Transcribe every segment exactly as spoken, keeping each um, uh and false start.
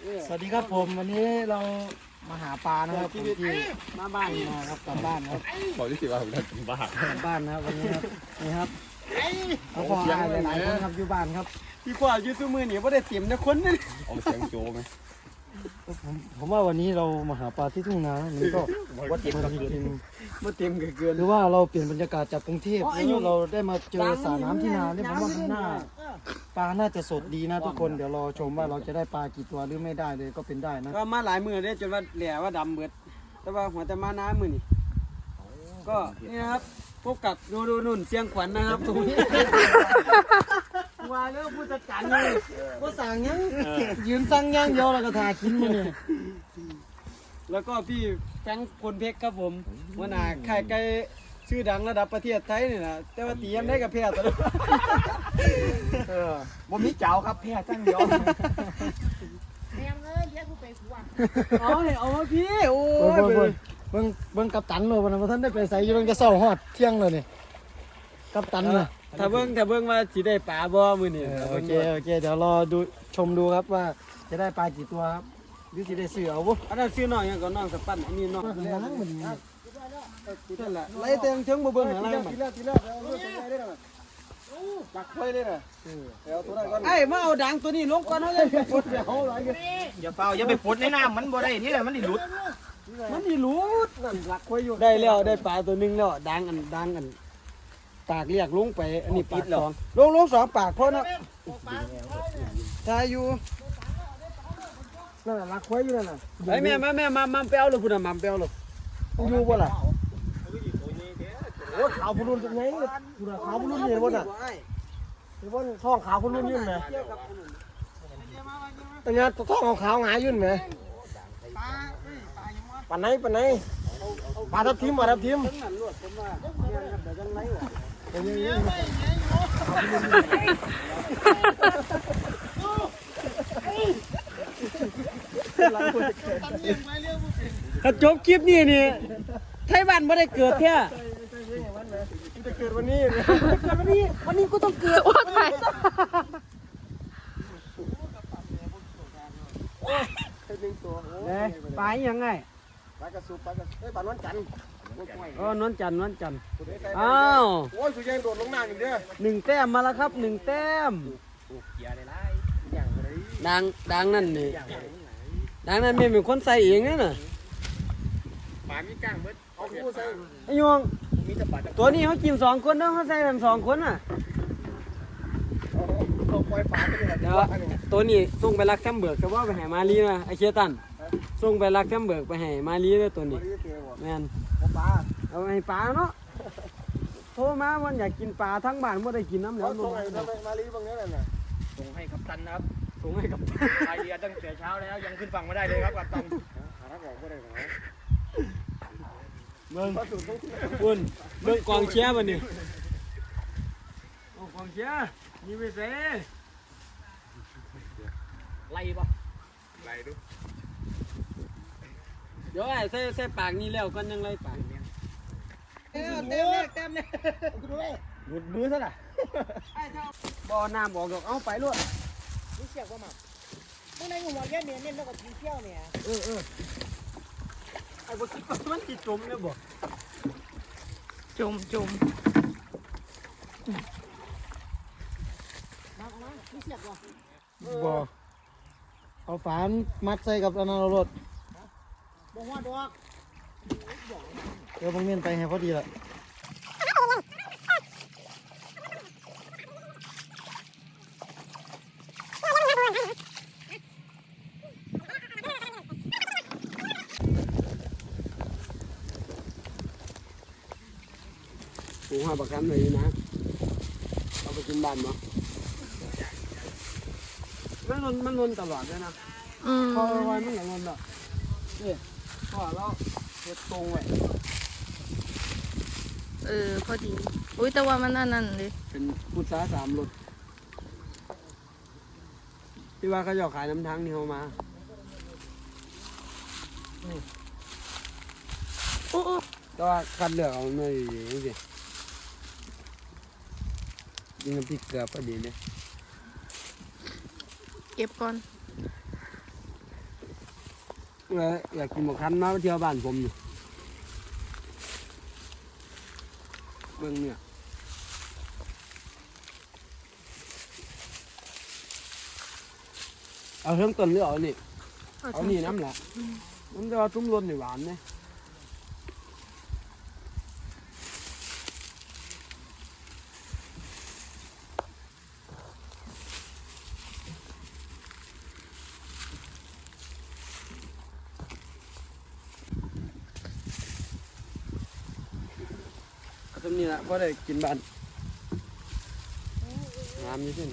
สวัสดีครับผมวันนี้เรามาหาปลานะครับที่มาบ้านนะครับกลับบ้านครับบอกที่สิว่าผมจะกินบ้ากลับบ้านนะครับวันนี้ครับนี่ครับเขาพออายหลายๆคนครับอยู่บ้านครับพี่กว่าอยู่ซุมือนี่บ่ได้เต็มนะคนนึงเอาเสียงโจ้ไหมผมผมว่าวันนี้เรามาหาปลาที่ทุ่งนามันก็ว่าเจ็บกับจริงบ่เต็มก็เกินหรือว่าเราเปลี่ยนบรรยากาศจากกรุงเทพแล้วเราได้มาเจอสระน้ำที่นาเนี่ยผมว่ามันน่าปลาน่าจะสดดีนะทุกคนเดี๋ยวรอชมว่าเราจะได้ปลากี่ตัวหรือไม่ได้เลยก็เป็นได้นะก็มาหลายมื้อเด้จนว่าแหล่ว่าดำเบิดแต่ว่าหัวแต่มาน้ำมื้อนี่ก็นี่นะครับพบกับดูดูนุ่นเสียงขวัญนะครับตรงนี้ว่าแล้วผู้จัดการเลยก็สั่งยังยืนสั่งยังเดียวแล้วก็ทากินมาเนี่ยแล้วก็พี่แฟรงค์พลเพชรครับผมหัวหน้าค่ายไก่ชื่อดังระดับประเทศไทยนี่นะแต่ว่าตียังได้กับแพ้ตลอดเออบ่มีเจ้าครับแพ้จังเดียวแม่งเอ้ยเลี้ยงกูไปกูอ่ะเอาเนี่ยเอามาพี่โอ้เบิ่งยเบิ่งเบิ่งเบิ่งกัปตันเลยวันนั้นท่านได้ไปใส่อยู่เบิ่งจะเศร้าฮอดเที่ยงเลยนี่กัปตันน่ะถ้าเบิ่งถ้าเบิ่งว่าสิได้ปลาบ่มื้อนี้เออโอเคโอเคเดี๋ยวรอดูชมดูครับว่าจะได้ปลากี่ตัวครับหรือสิได้ซื้อเอาบ่อันนั้นชื่อน้องหยังก็น้องสปันอันนี้น้องมันล้างมันนี่นั่นแหละไล่เต็มเชิงบ่เบิ่งหาอะไรมันทีแรกทีแรกเอาเรื่องตัวใหญ่ได้หน่อยตักไฟได้หน่อยเดี๋ยวตัวนั้นก่อนไอ้มาเอาดังตัวนี้ลงก่อนเฮาเลยไปปลดเดี๋ยวเอาหลายเงี้ยอย่าเปล่าอย่าไปปดในน้ำมันบ่ได้นี่แหละมันดิหลุดมันนี่หลุดนั่นลักไว้อยู่ได้แล้วได้ปลาตัวหนึงแล้วดังอันดังอันปากเรียกลงไปอันนี้ปิดแล้วลงลงสองปากพอเนาะทายอยู่นั่นน่ะรักไว้อยู่นั่นน่ะไอ้แม่มาแม่มามาไปเอาเลยพุ่นน่ะมาไปเอาเลยอยู่บ่ล่ะโอ้ขาวพุ่นรุ่นเป็นไงพุ่นน่ะขาวพุ่นรุ่นเห็นบ่น่ะเห็นบ่ท้องขาวพุ่นรุ่นยื่นไหมแต่เนี่ยท้องขาวๆหงายยื่นไหมปานไหนปานไหนปลาทับทิมปลาทับทิมนั่นลวดผมว่าเนี่ยครับเดี๋ยวจังไรวะเป็นยังไงถ้าจบคลิปนี้นี่ไทยบ้านไม่ได้เกิดแท้จะเกิดวันนี้เกิดวันนี้วันนี้กูต้องเกิดว่าไทยปลายังไงปลากระสุนปลากระเอ้ยปลานวลจันทร์เออนวลจันทร์นวลจันทร์อ้าวโอ้ยสุยังโดดลงน้ำอีกเด้อหนึ่งแต้มมาแล้วครับหนึ่งแต้มเกียร์ได้ไรอย่างไรดังดังนั่นนี่ดังนั่นไม่เป็นคนใส่เองนะน่ะปลามีก้างเบิดเอาคู่ใส่ไอ้ยวงมีแต่ปลาตัวนี้เขากินสองคนเนาะเขาใส่กันสองคนน่ะเอาปล่อยปลาไปเลยเดี๋ยวตัวนี้ส่งไปรักแคมเบิร์กแต่ว่าไปให้มาลีนะไอเชียตันส่งไปรักแคมเบิร์กไปให้มาลีเลยตัวนี้แม่นปลาเอาให้ปลาเนาะโทรมาวันอยากกินปลาทั้งบ้านไม่ได้กินน้ำแล้แล้ววส่งให้ทำไมมาลีบางนี้น่ะส่งให้กัปตันนะครับส่งให้กับไอเดียตั้งแต่เช้าแล้วยังขึ้นฝั่งไม่ได้เลยครับกัปตันหาทางออกไม่ได้หรอเบิ้งบุญเบิ้งกองเชียร์บันนี้โอ้กองเชียร์นี่ไม่เซ่ไล่ปะไล่ดูเดี๋ยวไอ้ใส่ใส่ปากนี่แล้วกันยังไรปากเนี่ยเต็มเลยเต็มเลยหลุดมือซะน่ะบ่อน้ำออกดอกเอาไปรวดนี่เสียกว่าหมาเมื่อไหร่กูบอกแค่เนี่ยเนี่ยแล้วก็กินเที่ยวเนี่ยเออเออไอ้บ่คิดว่ามันติดจมเลยบ่จุ่มจุ่มมามานี่เสียกว่าบ่เอาฝานมัดใส่กับอันนั้นเอารถบอกว่าดอกเดี๋ยวบางเมียนไปให้พอดีละปูห้าประกันเลยนะเอาไปกินบ้านบ่มันลนมันลนตลอดเลยนะอืมพอไว้มันก็ลนอ่ะนี่พอเราเฮ็ดตรงไว้เออพอดี อุ้ยแต่ว่ามันอันนั้นเลยเป็นพุทธาสามรถที่ว่าเขาจะขายน้ำทั้งนี่เขามาโอ้โอ้แต่ว่าคัดเลือกเอาหน่อยนี่สิยิงน้ำพริกเกลือพอดีเลยเก็บก่อนเลยอยากกินหมกคันมาเที่ยวบ้านผมนี่เบิ่งเนี่ยเอาเริ่มต้นหรือเอานี่เอานี่น้ำแหละมันจะว่าตุ้มรสนี่หวานเนี่ยตรงนี้นะพอได้กินบ้านน้ำนี่เช่น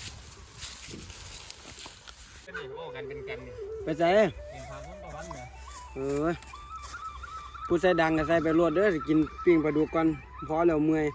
ไปใส่เออผู้ใส่ดังก็ใส่ไปรวดเด้อกินปิ้งปลาดุกก่อนพอแล้วเมื่อย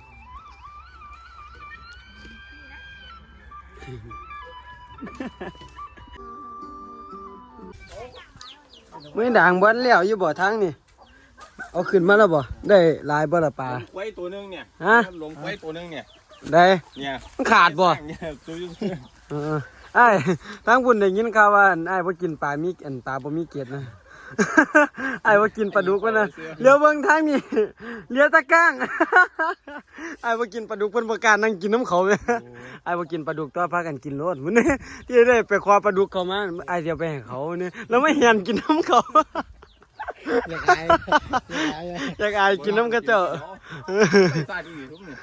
เมื่อด่างบ้านแล้วอยู่บ่อทางนี่เอาขึ้นมาแล้วบ่ได้หลายบ่ละปลาไว้ตัวนึงเนี่ยฮะลงไว้ตัวนึงเนี่ยได้เนี่ยมันขาดบ่เนี่ยตัวยุ่งเออไอ้ทางบุญได้ยินข่าวว่าไอ้บ่กินปลามีอันปลาบ่มีเกล็ดนะ ไอ้บ่กินปลาดุกวะนะเลี้ยวเบิ่งทางนี้เลี้ยวตะก้าง ไอ้บ่กินปลาดุกเพิ่นบ่กล้านั่งกินน้ำเขาแม่ไอ้บ่กินปลาดุกตัวพากันกินโลดมื้อนี้ที่ได้ไปคว้าปลาดุกเข้ามาไอ้สิเอาไปให้เขาเนี่ยแล้วไม่เห็นกินน้ำเขาอยากอายอยากอายอยากอายกินน้ำกระเจ้าตาดีทุกเนี่ย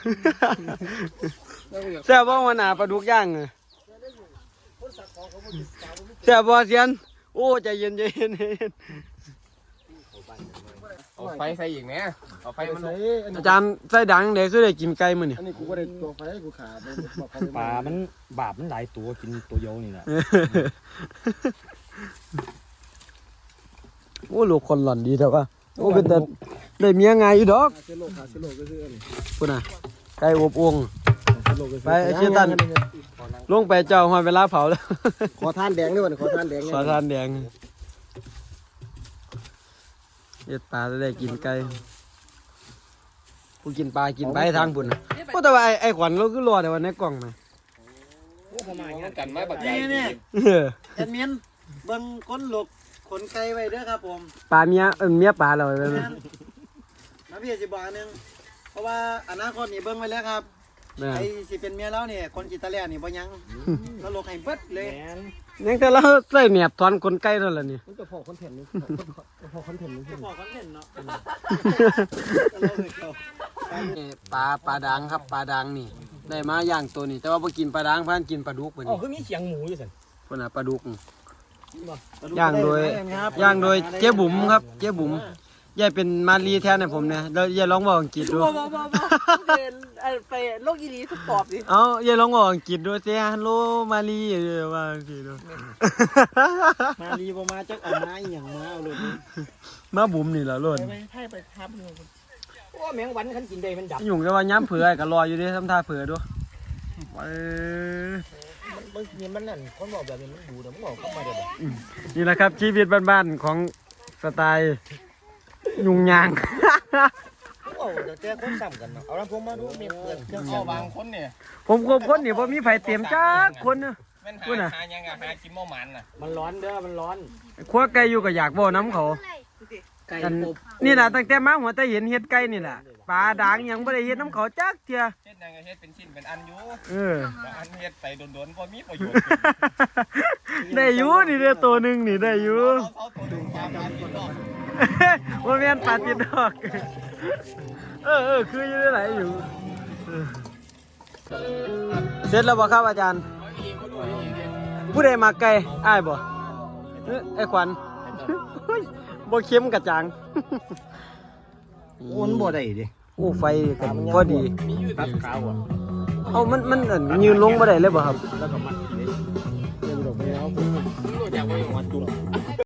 แซ่บบ่วันหน้าปลาดุกย่างอะแซ่บบ่เซียนโอ้ใจเย็นใจเย็นใจเย็นเอาไฟใส่อีกไหมเอาไฟมันใส่อันอานี้จารย์ใส่ดังได้สุดได้กินไก่มื้อนี่อันนี้กูก็ได้ตัวไฟกูขาดเลยบอกเขาปลา มันบาปมันหลายตัวกินตัวเดียวนี่แหละโอ้ลูกคนหล่อนดีแต่ว่าโอ้เป็นแต่ได้เมียง่ายอยู่ดอกขาเซโลขาเซโลก็ซื้ออันนี้พุ่นน่ะไก่อบอวงขาเซโลก็ซื้อไปไอ้เชี่ยตัน ลงไปเจ้าหอยเวลาเผาแล้วขอทานแดงด้วยวันขอทานแดงขอทานแดงเฮ็ดปลาจะได้กินไก่ผู้กินปลากินไปทางบุญน่ะโอ้แต่ว่าไอ้ไอ้ขวัญเราคือรอแต่ว่าในกล่องไหมกันไม้บักใหญ่นี่เออแอดมินเบิ่งคนหลกขนไก่ไว้เด้อครับผมปลาเมียเออเมียปลาเราไปไหมนะพี่สิบอกอันหนึงเพราะว่าอนาคตนี่เบิ่งไว้แล้วครับเนี่ยไอ้สิเป็นเมียแล้วนี่คนกิตาเลียนี่บ่ยังแล้วลกให้เบิดเลยยังแต่เราใส่แหนบถอนคนไก่นั่นแหละนี่มันจะพอคอนเทนต์นี่พอคอนเทนต์นี่บอกกันเล่นเนาะปลาปลาดังครับปลาดังนี่ ได้มาย่างตัวนี้ แต่ว่าพอกินปลาดังพันกินปลาดุกไปอ๋อนี่คือมีเสียงหมูอยู่สิคนน่ะปลาดุกย่างโดยย่างโดยเจ๊บุ๋มครับ เจ๊บุ๋มยายเป็นมารีแทนให้ผมเนี่ยแล้วยายร้องบอกอังกฤษด้วยบ่บ่บ่บ่เดินไปโลกอีหลีทุกตอบดิเอาอย่าลองบอกอังกฤษด้วยเสียฮัลโหลมาลีเออว่าอังกฤษด้วยมารีบ่มาจักเอามาอีหยังมาเอาเลยมาบุ๋มนี่แหละล้นไปให้ไปทับเลยโอ้แมงวันขันกินได้มันดับยุ่งแต่ว่าย้ำเผือก็รออยู่ดิทำท่าเผือด้วยเออบางทีมันนั่นคนบอกแบบนี้มันดูนะมันบอกเข้ามาเดี๋ยวนี่แหละครับชีวิตบ้านๆของสไตล์ยุ่งยางโอ้แต่แต่คนซ้ำกันเนาะเอาลำโพงมาดูมีเปิดเครื่องเอาบางคนเนี่ยผมคบคนนี่ผมมีไผเต็มจักคนเนอะแม่นหาพูดน่ะหายังอะหากินหม้อมันน่ะมันร้อนเด้อมันร้อนครัวไก่อยู่ก็อยากบ่น้ำเขาไก่กันอบนี่แหละตั้งแต่มาหัวแต่เห็นเฮ็ดไก่นี่แหละปลาด่างยังบ่ได้เฮ็ดน้ำเขาจักเทียเฮ็ดยังไงเฮ็ดเป็นชิ้นเป็นอันอยู่เออแต่อันเฮ็ดไปโดนๆพอมีประโยชน์ได้อยู่นี่เด้อตัวหนึงนี่ได้อยู่เขาเขาตัวนึงความมากินรอบว่าแม่นปลาติดดอก เออเออคืออยู่ได้หลายอยู่เออเสร็จแล้วบ่ครับอาจารย์ ผู้ใดมาไกลอ้ายบ่เอ้ยไอ้ขวัญเฮ้ยบ่เค็มกระจังมันบ่ได้ดิโอ้ไฟก็พอดีตัดขาวอ่ะเอ้ามันมันเอิ้นยืนลงบ่ได้เลยบ่ครับแล้วก็มัดกินได้เดี๋ยวดอกไม้เอารู้จักว่าอยู่หัวจุ่ม